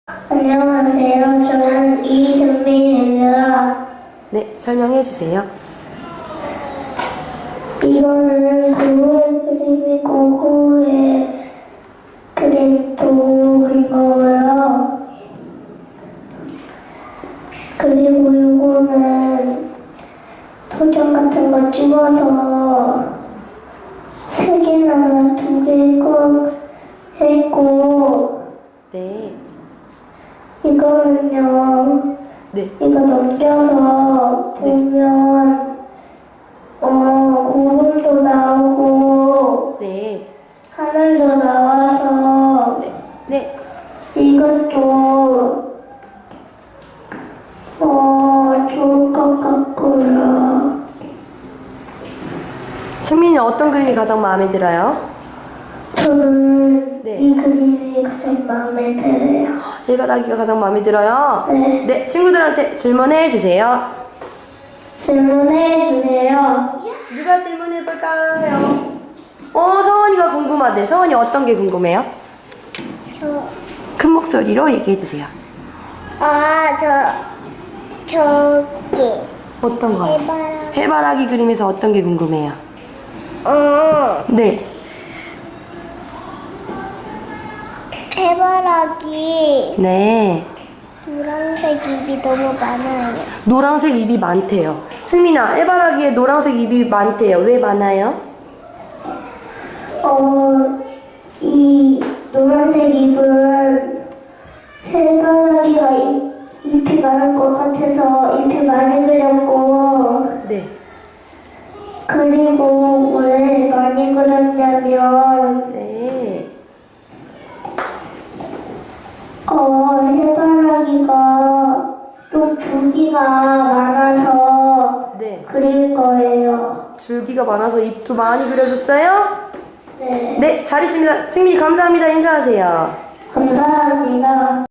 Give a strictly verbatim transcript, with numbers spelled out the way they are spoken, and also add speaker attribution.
Speaker 1: 안녕하세요. 저는 이승민입니다.
Speaker 2: 네, 설명해 주세요.
Speaker 1: 이거는 고흐의 그림이고 고흐의 그림도 그린 거고요. 그리고 이거는 도장 같은 거 찍어서 세 개나 두 개 있고 했고
Speaker 2: 네,
Speaker 1: 이거는요.
Speaker 2: 네,
Speaker 1: 이거 넘겨서 보면 어 고음도 나오고
Speaker 2: 네,
Speaker 1: 하늘도 나와서
Speaker 2: 네, 네.
Speaker 1: 이것도 어 좋을 것 같고요.
Speaker 2: 승민이는 어떤 그림이 가장 마음에 들어요?
Speaker 1: 저는
Speaker 2: 네.
Speaker 1: 이 그림이 가장 마음에 들어요.
Speaker 2: 해바라기가 가장 마음에 들어요?
Speaker 1: 네.
Speaker 2: 네, 친구들한테 질문해 주세요.
Speaker 1: 질문해 주세요.
Speaker 2: 누가 질문해 볼까요? 어, 서원이가 궁금하대. 서원이 어떤 게 궁금해요?
Speaker 3: 저,
Speaker 2: 큰 목소리로 얘기해 주세요.
Speaker 3: 아, 저, 저기,
Speaker 2: 어떤 거요?
Speaker 3: 해바라기.
Speaker 2: 해바라기 그림에서 어떤 게 궁금해요?
Speaker 3: 어,
Speaker 2: 네,
Speaker 3: 해바라기
Speaker 2: 네.
Speaker 3: 노란색 입이 너무 많아요.
Speaker 2: 노란색 입이 많대요. 승민아, 해바라기에 노란색 입이 많대요. 왜 많아요?
Speaker 1: 어, 이 노란색 잎은 해바라기가 잎, 잎이 많은 것 같아서 잎이 많이 그렸고,
Speaker 2: 네,
Speaker 1: 그리고 왜 많이 그렸냐면,
Speaker 2: 네.
Speaker 1: 어, 해바라기가 좀 줄기가 많아서
Speaker 2: 네.
Speaker 1: 그린 거예요.
Speaker 2: 줄기가 많아서 잎도 많이 그려줬어요?
Speaker 1: 네.
Speaker 2: 네, 잘 있습니다. 승민이 감사합니다. 인사하세요.
Speaker 1: 감사합니다.